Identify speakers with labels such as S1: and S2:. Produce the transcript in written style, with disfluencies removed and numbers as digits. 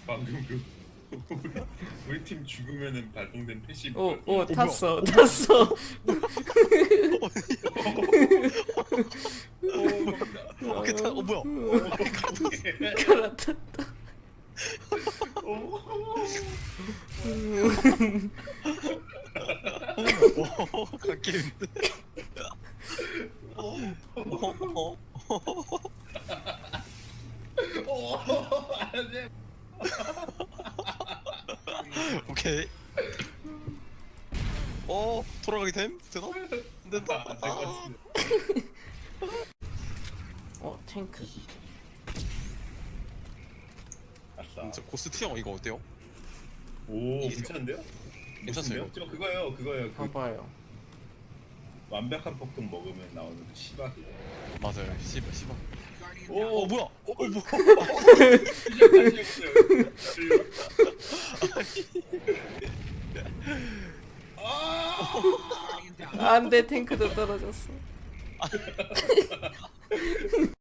S1: 방금 그 우리 팀 죽으면은 발동된 패시브.
S2: 오 탔어 탔어.
S1: 오,
S3: 뭐야?
S2: 갈아탔다.
S3: 오, 갓게임인데.
S1: 안돼.
S3: 오케이. 돌아가게 됨? 되나? 안 된다.
S2: 탱크.
S1: 아싸.
S3: 진짜 고스트 형 이거 어때요?
S1: 오 괜찮은데요?
S3: 괜찮아요.
S1: 저 그거예요. 그
S2: 봐봐요.
S1: 완벽한 폭동 먹으면 나오는 그 시바.
S3: 맞아요. 씨발.
S1: 오
S3: 뭐야?
S1: 뭐?
S2: 안돼 탱크도 떨어졌어.